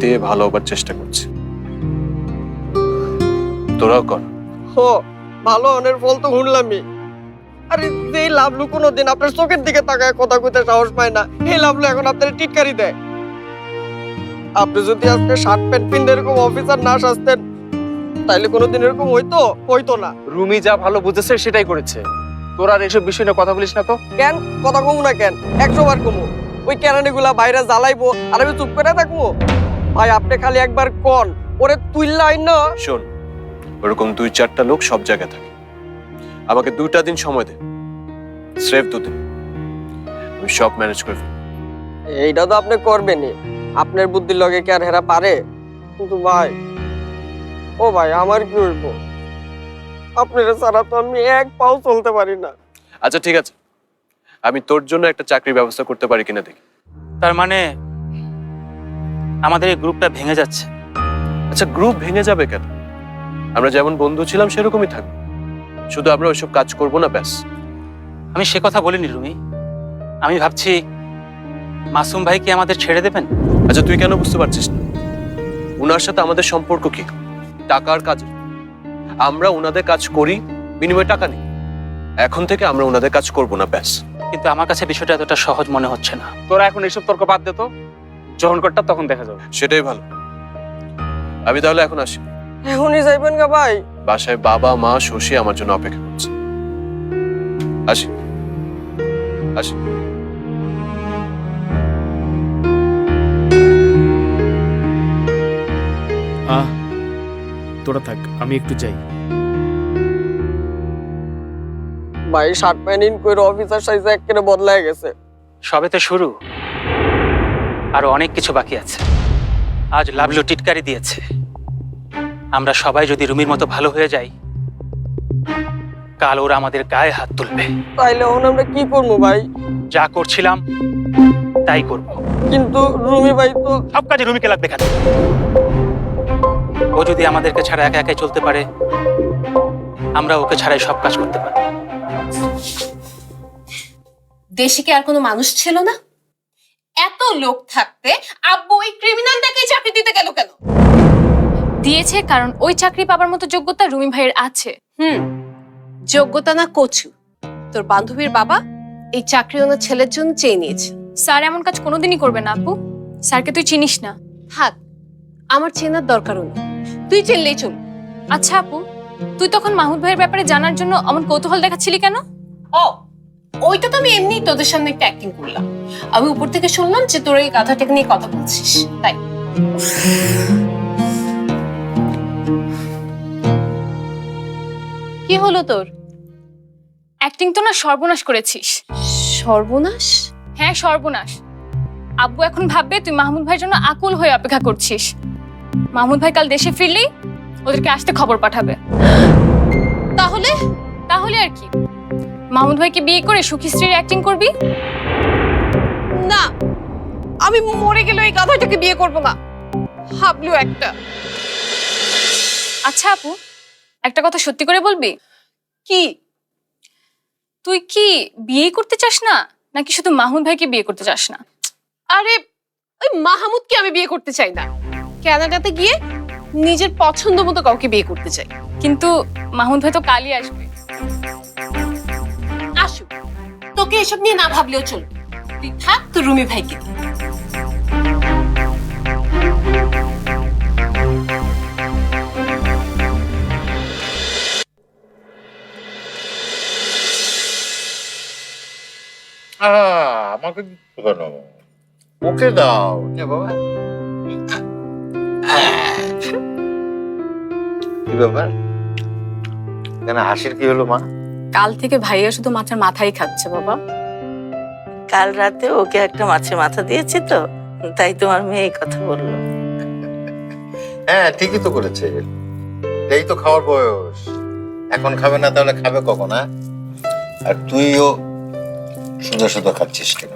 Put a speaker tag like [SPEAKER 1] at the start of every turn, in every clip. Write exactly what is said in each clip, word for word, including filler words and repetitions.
[SPEAKER 1] দিয়ে ভালো হবার চেষ্টা করছি, তোরাও কর।
[SPEAKER 2] হো ভালো অনের ফল তো শুনলামই। আরে যে লাভলু কোনোদিন আপনার চোখের দিকে তাকায় কথা কইতে সাহস পায় না, এই লাভলু এখন আপনার টিটকারি দেয়। আপনি যদি আজকে শার্ট প্যান্ট পিন এরকম অফিসার না সাজতেন তাইলে কোনোদিন এরকম হইতো হইতো না।
[SPEAKER 3] রুমি যা ভালো বুঝেছে সেটাই করেছে, তোর আর এসব বিষয় নিয়ে কথা বলিস না তো।
[SPEAKER 2] কেন কথা কমু না কেন, একশো বার কমু। ওই কেরানিগুলা বাইরে জ্বালাইবো আর আমি চুপ করে থাকবো? ভাই আপনি খালি একবার কন ওরে তুইল্লা না।
[SPEAKER 1] শোন, ওরকম দুই চারটা লোক সব জায়গায় থাকে, আমাকে দুইটা দিন সময় দে, স্রেফ দুদিন, আমি সব ম্যানেজ করে ফেলবো।
[SPEAKER 2] এইটা তো আপনি করবেনই, আপনার বুদ্ধির লগে কি আর হেরা পারে? কিন্তু ভাই ও ভাই আমার কি হইব, আপনার ছাড়া তো আমি এক পাও চলতে পারি না।
[SPEAKER 1] আচ্ছা ঠিক আছে, আমি তোর জন্য একটা চাকরির ব্যবস্থা করতে পারি কিনা দেখি।
[SPEAKER 4] তার মানে আমাদের এই গ্রুপটা ভেঙে যাচ্ছে?
[SPEAKER 1] আচ্ছা গ্রুপ ভেঙে যাবে কেন? আমরা যেমন বন্ধু ছিলাম সেরকমই থাকবো, শুধু আমরা ওইসব কাজ করবো না, ব্যাস।
[SPEAKER 4] আমি সে কথা বলিনি রুমি, আমি ভাবছি মাসুম ভাই কি আমাদের ছেড়ে দেবেন?
[SPEAKER 1] আচ্ছা তুই কেন বুঝতে পারছিস না? উনার সাথে আমাদের সম্পর্ক কি? টাকার কাজে। আমরা উনাদের কাজ করি, বিনিময়ে টাকা নেই। এখন থেকে আমরা উনাদের কাজ করব না, ব্যাস।
[SPEAKER 4] কিন্তু আমার কাছে বিষয়টা এতটা সহজ মনে হচ্ছে না।
[SPEAKER 3] তোরা এখন এসব তর্ক বাদ দে তো, যখন করটা তখন দেখা যাবে।
[SPEAKER 1] সেটাই ভালো। আমি তাহলে এখন আসি।
[SPEAKER 2] এখনই যাইবেন গা ভাই?
[SPEAKER 1] বাসায় বাবা মা শশী আমার জন্য অপেক্ষা করছে। আসি আসি।
[SPEAKER 5] আহ তোরা থাক, আমি একটু যাই।
[SPEAKER 2] ভাই শার্ট প্যান্ট ইন করে অফিসার সাইজে একেবারে বদলায় গেছে।
[SPEAKER 4] সবে তো শুরু, আরো অনেক কিছু বাকি আছে। আজ লাভলু টিটকারি দিয়েছে, আমরা সবাই যদি রুমির মতো ভালো হয়ে যাই, কাল ওরা আমাদের গায়ে হাত তুলবে।
[SPEAKER 2] তাইলে এখন আমরা কি করবো ভাই?
[SPEAKER 4] যা করছিলাম তাই করব।
[SPEAKER 2] কিন্তু রুমি ভাই তো
[SPEAKER 4] সব কাজে রুমিকে লাগবে কেন? ও যদি আমাদেরকে ছাড়া একা একাই চলতে পারে, আমরা ওকে ছাড়াই সব কাজ করতে পারি।
[SPEAKER 6] দেশে কি আর কোনো মানুষ ছিল না? এত লোক থাকতে আব্বু ওই ক্রিমিনালটাকে চাকরি দিতে গেল কেন?
[SPEAKER 7] দিয়েছে কারণ ওই চাকরি পাবার মতো যোগ্যতা রুমি ভাইয়ের আছে।
[SPEAKER 6] হুম, যোগ্যতা না কচু। তোর বান্ধবীর বাবা এই চাকরি ওনার ছেলের জন্য চেয়ে নিয়েছে।
[SPEAKER 7] স্যার এমন কাজ কোনোদিনই করবে না আপু, স্যারকে তুই চিনিস না।
[SPEAKER 6] থাক, আমার চেনার দরকারও নেই, তুই চিনলেই চল।
[SPEAKER 7] আচ্ছা আপু, তুই তখন মাহুদ ভাইয়ের ব্যাপারে জানার জন্য অমন কৌতূহল দেখাচ্ছিলি কেন?
[SPEAKER 6] ও ওইটা তো আমি এমনি তোদের সামনে একটা অ্যাক্টিং করলাম। আমি উপর থেকে শুনলাম যে তোর এই গাধাটাকে নিয়ে কথা বলছিস, তাই। কি হলো তোর?
[SPEAKER 7] অ্যাক্টিং তো না, সর্বনাশ করেছিস।
[SPEAKER 6] সর্বনাশ?
[SPEAKER 7] হ্যাঁ সর্বনাশ। আব্বু এখন ভাববে তুই মাহমুদ ভাইয়ের জন্য আকুল হয়ে অপেক্ষা করছিস। মাহমুদ ভাই কাল দেশে ফিরলেই ওদেরকে আসতে খবর পাঠাবে।
[SPEAKER 6] তাহলে?
[SPEAKER 7] তাহলে আর কি, মাহমুদ ভাইকে বিয়ে করে সুখী স্ত্রীর অ্যাক্টিং করবি।
[SPEAKER 6] না, আমি মরে গেলে এই গাধাটাকে বিয়ে করব না। হাবলু একটা।
[SPEAKER 7] আচ্ছা আপু, একটা কথা সত্যি করে বলবি?
[SPEAKER 6] কি?
[SPEAKER 7] তুই কি বিয়ে করতে চাস না, নাকি শুধু মাহমুদ ভাইকে বিয়ে করতে চাস না?
[SPEAKER 6] আরে ওই মাহমুদকে আমি বিয়ে করতে চাই না, কানাডাতে গিয়ে নিজের পছন্দ মতো কাউকে বিয়ে করতে চাই।
[SPEAKER 7] কিন্তু মাহমুদ ভাই তো কালই আসবে।
[SPEAKER 6] আসুক, তোকে এসব নিয়ে না ভাবলেও চল। তুই থাক তো রুমি ভাইকে দিয়ে।
[SPEAKER 8] আমাকে কেন? ওকে দাও বাবা। কি ব্যাপার, কেন হাসির কি হলো মা?
[SPEAKER 9] কাল থেকে ভাইয়া শুধু মাছের মাথাই খাচ্ছে বাবা।
[SPEAKER 10] কাল রাতে ওকে একটা মাছের মাথা দিয়েছি তো, তাই তোমার মেয়ে এই কথা বললো।
[SPEAKER 8] হ্যাঁ ঠিকই তো করেছে, এই তো খাওয়ার বয়স। এখন খাবে না তাহলে খাবে কখন? হ্যাঁ, আর তুইও সুদা সুদা খাচ্ছিস কেন?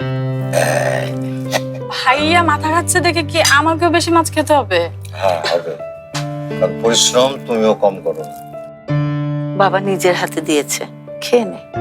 [SPEAKER 9] ভাইয়া মাথা খাচ্ছে দেখে কি আমাকেও বেশি মাছ খেতে হবে?
[SPEAKER 8] হ্যাঁ হবে, কারণ পরিশ্রম তুমিও কম করো।
[SPEAKER 10] বাবা নিজের হাতে দিয়েছে, খেয়ে নে।